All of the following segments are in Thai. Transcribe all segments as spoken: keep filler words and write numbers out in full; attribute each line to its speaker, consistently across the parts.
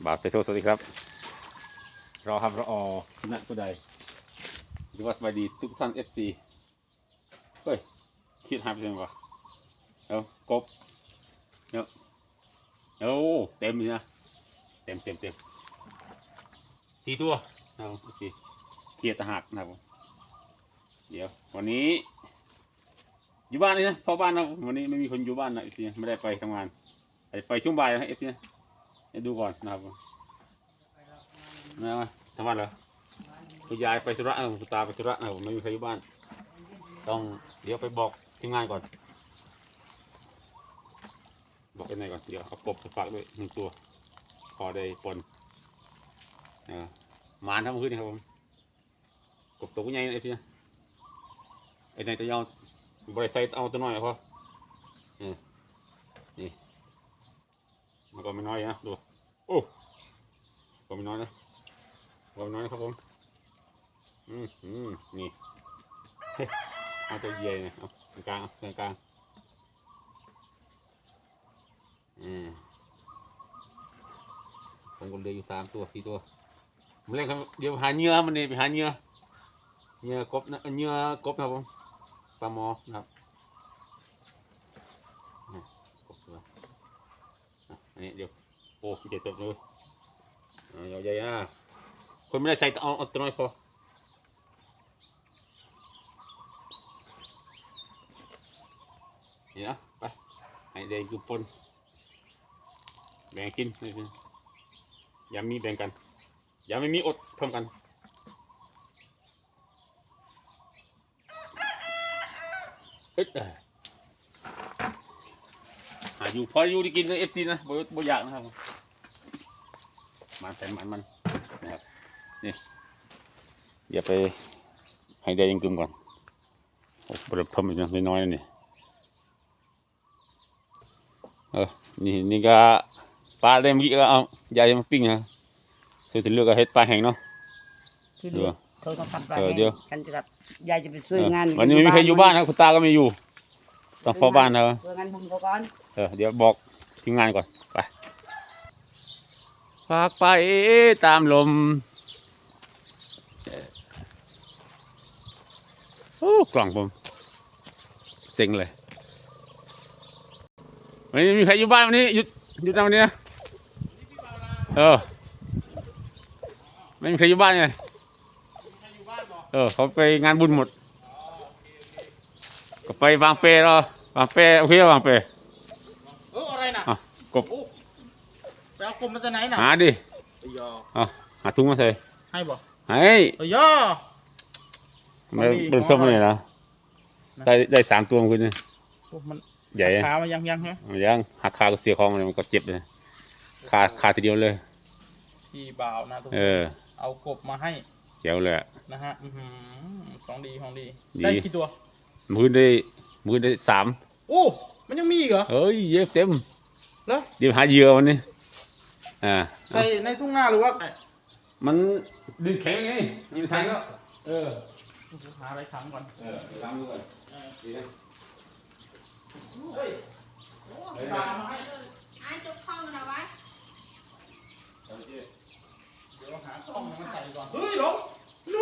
Speaker 1: บาปเตโซสวัสดีครับรอครับรออชนะผู้ใดหรือว่าสบายดีทุกท่านเอฟซีเฮ้ยคิดหายไปยังวะเอากบเนาะเอาเต็มเลยนะเต็มเต็มเต็มสี่ตัวเอาโอเคเกียร์ตะหักนะครับเดี๋ยววันนี้อยู่บ้านเลยนะพ่อบ้านนะวันนี้ไม่มีคนอยู่บ้านนะเอฟซีไม่ได้ไปทำงานไปช่วงบ่ายนะเอฟซีให้ดูก่อนนะครับนะทำบ้านเหรอคุณยายไปธุระนะคุณตาไปธุระนะผมไม่มีใครอยู่บ้านต้องเดี๋ยวไปบอกทีมงานก่อนบอกยังไงก่อนเดี๋ยวเอากบไปฝากด้วยหนึ่งตัวพอได้ปนหมานทำขึ้นนี่ครับผมกบตัวใหญ่ไอ้พี่ไอ้ในตัวเอาบริษัทเอาตัวน้อยพอนี่นี่มันก็ไม่น้อยนะดูโอ้ก็ไม่น้อยนะก็ไม่น้อยนะครับผมอืมอืมนี่เอาตัวใหญ่เนี่ยเอากลางกลางกลางอืมผมก็เลยอยู่สามตัวสี่ตัวมันเล่นครับเดี๋ยวหาเนื้อมันนี่ไปหาเนื้อเนื้อกบนะเนื้อกบนะครับผมปลาหมอนะครับกบตัวอันนี้เดี๋ยวโอ้ใหญ่ตัวเลยใหญ่ๆอ่ะคนไม่ได้ใส่เอาเอาตัวน้อยพอนี่นะไปให้เด็กกุปนแบ่งกินอย่ามีแบ่งกันอย่าไม่มีอดพร้อมกันเอ๊ะหาอยู่พออยู่ได้กินในเอฟซีนะบ่บ่อยากนะครับมันแต่มันมันนะครับนี่เดี๋ยวไปให้ได้ยังกึมก่อนโอ้บริเพิ่มอีกน้อยๆนี่เออนี่นี่ก็ปลาได้เมื่อกี้ก็เอายายมาปิ้งนะส่วนที่เหลือก็เฮ็ดปลาแห้งเนาะ
Speaker 2: ที่เหลือเขาต้องทำปลาแห้งกันจะกับยายจะไปช่วยงาน
Speaker 1: วันนี้ไม่มีใครอยู่บ้านนะคุณตาก็ไม่อยู่ต้องเฝ้าบ้านนะ
Speaker 2: ช่วยงานผมก่อน
Speaker 1: เออเดี๋ยวบอกทีมงานก่อนไปฝากไปตามลมโอ้กล่องผมเซ็งเลยวันนี้มีใครอยู่บ้านวันนี้หยุดหยุดทำวันนี้นะเออไม่มีใครอยู่บ้านไงเออเขาไปงานบุญหมดก็ไปบางเปรอวางเปรโอเควางเปร
Speaker 3: เอออะไรนะ
Speaker 1: กบ
Speaker 3: ไปเอากบมาจากไหนน่ะ
Speaker 1: หาดิเอาหาถุงมาใส่
Speaker 3: ให้บ่
Speaker 1: ให้
Speaker 3: เอ้ยย่อ
Speaker 1: ไม่เป็นต้มเลยนะได้ได้สามตัวมันคือเนี่ย
Speaker 3: มัน
Speaker 1: ใหญ่
Speaker 3: ขามันยังยังใช่ไหม
Speaker 1: ยังหักขาก็เสียคองเลยมันก็เจ็บเลยขาขาทีเดียวเลย
Speaker 3: พี่บ่าวนะทุกคนเอากบมาให้
Speaker 1: เจ๋วเลย
Speaker 3: นะฮะของดีของดีได้กี่ตัว
Speaker 1: มือได้มือได้สาม
Speaker 3: โอ้มันยังมีอีกเหรอ
Speaker 1: เฮ้ยเยอะเต็ม
Speaker 3: แล้ว
Speaker 1: เดี๋ยวหาเหยื่อวันนี้อ่า
Speaker 3: ใส่ในทุ่งนาหรือว่า
Speaker 1: มันดึงแข็งไงมีทางก็เออ
Speaker 3: หาอะไรขังก่อน
Speaker 1: เออล้างมือก่อนดีนะ
Speaker 3: เฮ้ยตามมาให้
Speaker 2: ไอ้จุกข้องนะวะ
Speaker 3: เดี๋ยวหาข้องมาใส่ก่อนเฮ้ยหลงนู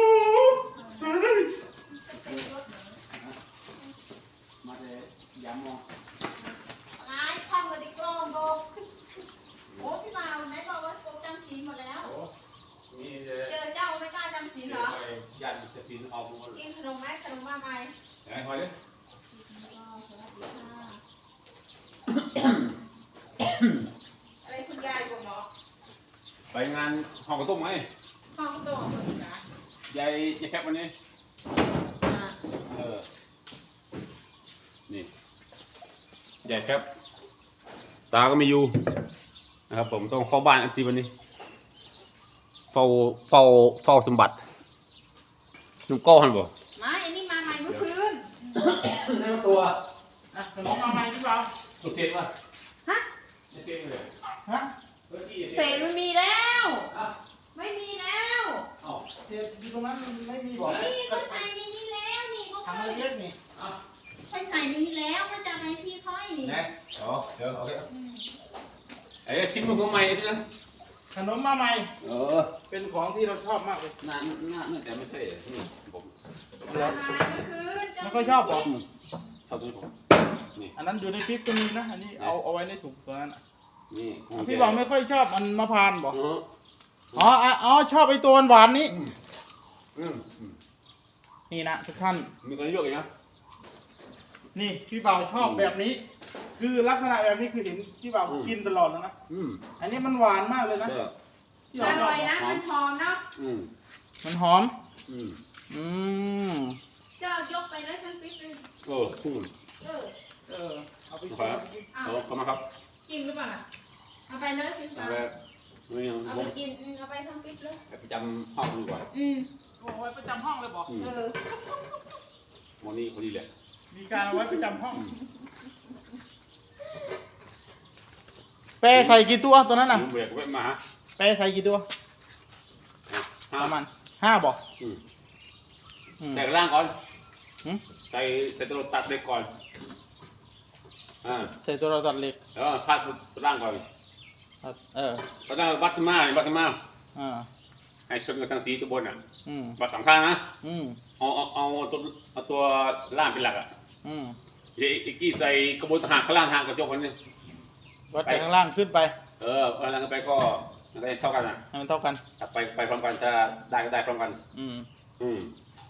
Speaker 1: มาเลยยำมอง
Speaker 2: ไอ้ข้องกับดิกรองโบโอ้พี่บ่าวไหนบอกว่าโกจำศีลหมดแล้วเจอเจ้าไม่กล้าจำศีลเหรอ
Speaker 1: ยันจะศีลออกหมด
Speaker 2: กินขนมไหมขนมว่าไง
Speaker 1: ไหนพอดิ
Speaker 2: อะไรคุณยายบอกหมอ
Speaker 1: ไปงานห่อกระตุ้มไหม
Speaker 2: ห้องโต๊ะคนนี้นะ
Speaker 1: ยายยายแคปวันนี้เออนี่ยายแคปตาก็ไม่อยู่นะครับผมต้องเฝ้าบ้านอันซีวันนี้เฝ้าเฝ้าเฝ้าสมบัตินุ่งก้อนบ่
Speaker 2: ไม่อันนี้มาใหม่เมื่อคืน
Speaker 1: นี่ตัว
Speaker 3: อ่ะขนมมาใหม่พี่บ่าว
Speaker 1: ตัวเสร็จป่ะ
Speaker 2: ฮะ
Speaker 1: ไม่เสร็จเลย
Speaker 3: ฮะ
Speaker 2: เสร็จมันมีแล้วไม่มีแล้ว
Speaker 3: อ๋อเดี๋ยวที่ตรงนั้นไม่มีบอก
Speaker 2: นี่เขาใส่ในนี้แล้วนี่เขา
Speaker 3: ทำอะไรเยอะนี่
Speaker 2: ค่อยใส่นี้แล้วก็จะให้พี่ค่อยนี่
Speaker 1: ไหนอ๋อเดี๋ยวโอเคไอ้ชิมมันก็ใหม่ดินะ
Speaker 3: ขนมมาใหม่
Speaker 1: เออ
Speaker 3: เป็นของที่เราชอบมากเลย
Speaker 1: น่าน่าน่าแต่ไม่ใช่นี่ผม
Speaker 2: อาหารเมื่อคืนจะ
Speaker 3: ไม่ค่อยชอบหรอ
Speaker 1: ชอบตัวนี้ผมนี่
Speaker 3: อันนั้นอยู่ในพริกก็มีนะ อันนี้เอาเอาไว้ในถุงตัวนั้นอ่ะ
Speaker 1: นี่
Speaker 3: อ่ะพี่บอกไม่ค่อยชอบมันมะพร้าวบอก
Speaker 1: เออ
Speaker 3: อ๋ออ่ะอ๋อชอบไอ้ตัวหวานๆนี้
Speaker 1: อืมอืมอืม
Speaker 3: นี่นะทุกท่าน
Speaker 1: มีคนเยอะเลยนะ
Speaker 3: นี่พี่บ่าวชอบแบบนี้ คือลักษณะแบบนี้คือเห็นพี่บ่าวกินตลอดแล้วนะ
Speaker 1: อืม
Speaker 3: อันนี้มันหวานมากเลยนะ
Speaker 1: เออ
Speaker 3: พี่
Speaker 2: อ
Speaker 3: บ่าวชอ
Speaker 2: ร่
Speaker 3: บ
Speaker 2: อยนะมันหอมเนาะ
Speaker 1: อืม
Speaker 3: มันหอม
Speaker 1: อืม
Speaker 3: อืม
Speaker 2: เจ้ายกไปเลยฉันปิ๊บเลย
Speaker 1: เอออืม
Speaker 2: เออ
Speaker 3: เออเอาไป
Speaker 1: ค
Speaker 3: กิ
Speaker 1: รับ
Speaker 3: น
Speaker 1: เอาเข้ามาครับ
Speaker 2: จริงหรือเปล่าล่ะเอาไปเลยพี่
Speaker 1: เอา
Speaker 2: ปา
Speaker 1: ไปนี่
Speaker 2: เอา
Speaker 1: ผ
Speaker 2: ไป
Speaker 1: ม
Speaker 2: กินอืมเอาไปทั้งปิ๊บเลย
Speaker 1: ไปจำห้องดีกว่า
Speaker 2: อืม
Speaker 3: เอาไว้ประจำห้องเลยบอก
Speaker 1: อืม
Speaker 2: เออ
Speaker 1: วันนี้พอดีแหละ
Speaker 3: มีการเอาไว้ประจำห้อง
Speaker 1: อืม
Speaker 3: แปรใส่กี่ตัวตัวนั้นน่ะ
Speaker 1: เบียกไว้มาฮะ
Speaker 3: แปรใส่กี่ตัว
Speaker 1: ห้า
Speaker 3: ประมาณห้าบอก
Speaker 1: อืม
Speaker 3: อืม
Speaker 1: แต่ล่างก่อน
Speaker 3: หืม
Speaker 1: ใส่ใส่ตัวตัดเล็กก่อนอ่า
Speaker 3: ใส่ตัวเราตัดเหล็ก
Speaker 1: แล้วพาดตัวล่างก่อน
Speaker 3: ตัดเออ
Speaker 1: ตอนนั้นวัดขึ้นมาวัดขึ้นมา
Speaker 3: อ่า
Speaker 1: ให้ชนกับทางสีตัวบนอ่ะ
Speaker 3: อืม
Speaker 1: วัดสองข้างนะ
Speaker 3: อืม
Speaker 1: เอาเอาเอาตัวเอาตัวล่างเป็นหลักอ่ะ
Speaker 3: อืม
Speaker 1: เดี๋ยวอีกกี้ใส่กระบวนทหารข้างล่างทางกระจกคนนี้
Speaker 3: วัดจากข้างล่างขึ้นไป
Speaker 1: เออข้างล่างไปก็มันก็เท่ากันอ่ะ
Speaker 3: ให้มันเท่ากัน
Speaker 1: ถ้าไปไปพร้อมกันถ้าได้ก็ได้พร้อมกัน
Speaker 3: อืม
Speaker 1: อืม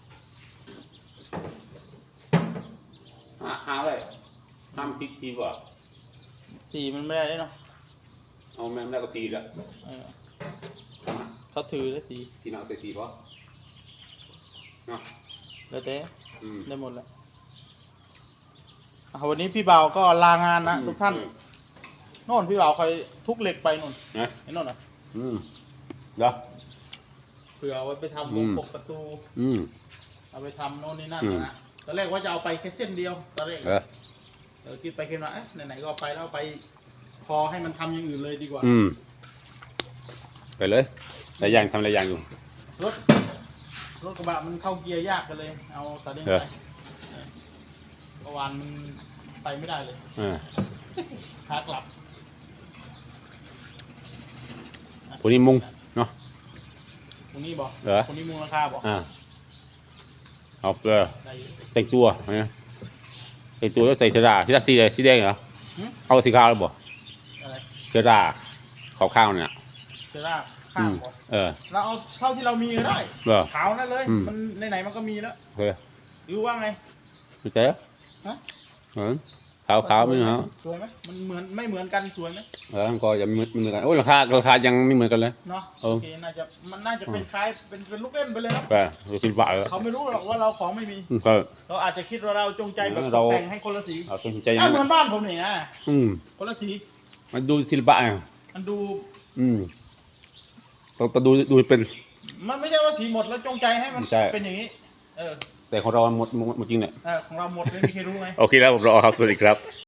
Speaker 1: หาหาไว้ห้ามทิศทีว่ะ
Speaker 3: สีมันไม่ได้เนาะ
Speaker 1: เอาแม่งได้ก็สีแล้ว
Speaker 3: เออเขาถือแล้วสี
Speaker 1: ทีนักใส่สีป่ะเนาะ
Speaker 3: แล้วแต่
Speaker 1: อืม
Speaker 3: ได้หมดแล้วอ่ะวันนี้พี่บ่าวก็ลางานนะทุกท่าน
Speaker 1: อืม
Speaker 3: โน่นพี่บ่าวคอยทุกเหล็กไปนู่น
Speaker 1: นะ
Speaker 3: ไอ้โน่นอ่ะ
Speaker 1: อืมเดี๋ยว
Speaker 3: เผื่อเอาไว้ไปทำ
Speaker 1: อื
Speaker 3: วง
Speaker 1: ม
Speaker 3: ปกประตู
Speaker 1: อืม
Speaker 3: เอาไปทำโน่นนี่นั่น
Speaker 1: อืม
Speaker 3: นะตอนแรกว่าจะเอาไปแค่เส้นเดียวตอนแรก
Speaker 1: เออ
Speaker 3: เออคิดไปคิดมาเอ๊ะไหนๆก็เอาไปแล้วเอาไป พอให้มันทำอย่างอื่นเลยดีกว่า
Speaker 1: อืมไปเลยหลายอย่างทำหลายอย่างอยู่
Speaker 3: รถรถกระบะมันเข้าเกียร์ยากกันเลย เอาสาเล้ง
Speaker 1: เอ
Speaker 3: ไป
Speaker 1: อ
Speaker 3: เออเมื่อวานมันไปไม่ได้เลย
Speaker 1: อ่า
Speaker 3: ขากลับ
Speaker 1: คนนี้มุงเนาะ
Speaker 3: ตรงนี้บอก
Speaker 1: เหรอ
Speaker 3: ตรงนี้มูลราคาบอก
Speaker 1: อ่าเอาเกลือ
Speaker 3: ได้อยู่
Speaker 1: แต่งตัวนะแต่งตัวแล้วใส่เสื้อดาสีดาสีอะไรสีแดงเหรอ
Speaker 3: หึ
Speaker 1: เอาสีขาวหรือเปล่า
Speaker 3: อะไร
Speaker 1: เสื้อดาขาวข้าวเนี่ย
Speaker 3: เซร่าข้า
Speaker 1: อื
Speaker 3: ง
Speaker 1: ม
Speaker 3: บอก
Speaker 1: เออ
Speaker 3: เราเอาเท่าที่เรามีก็ได้
Speaker 1: เหรอ
Speaker 3: ขาวนั่นเลย
Speaker 1: อืม
Speaker 3: มันไหนๆมันก็มีแล้ว
Speaker 1: เฮ้ย
Speaker 3: หรือว่าไง
Speaker 1: ไม่ใช่เหรอ
Speaker 3: ฮะ
Speaker 1: เออขาวขาวไม่เหรอ
Speaker 3: สวยไหมมันเหมือนไม่เหมือนกันสวยไหม
Speaker 1: เออก็ยังไม่ไม่เหมือนกันโอ้ยราคาราคายังไม่เหมือนกันเลย
Speaker 3: เนาะ
Speaker 1: เออ
Speaker 3: โอเคน่าจะมันน่าจะเป็นคล้ายเป็นเป็นลูกเล่นไปเลยเนาะ
Speaker 1: ไปดูสิบบาทเหรอ
Speaker 3: เขาไม่รู้หรอกว่าเราของไม่มี
Speaker 1: อืมก็
Speaker 3: เราอาจจะคิดว่าเราจงใจแบบต
Speaker 1: เรา
Speaker 3: กแต่งให้คนละสี
Speaker 1: เอาเป็นใจอยัง
Speaker 3: อ่ะเหมื
Speaker 1: นั้
Speaker 3: อน
Speaker 1: น
Speaker 3: บ้านผมนี่นะ
Speaker 1: อืม
Speaker 3: คนละสี
Speaker 1: มันดูศิลปะอ่ะ
Speaker 3: มันดู
Speaker 1: อืมต้องต้องดูดูเป็น
Speaker 3: มันไม่ใช่ว่าสีหมดแล้วจงใจให้มัน
Speaker 1: ใช่
Speaker 3: เป็นอย่างนี้ เออ
Speaker 1: แต่ของเราหมดหมดหมดจริงเนี่ย
Speaker 3: เออของเราหมดไม่มีใครรู้ไง
Speaker 1: โอเคแล้วผมรอครับสวัสดีครับ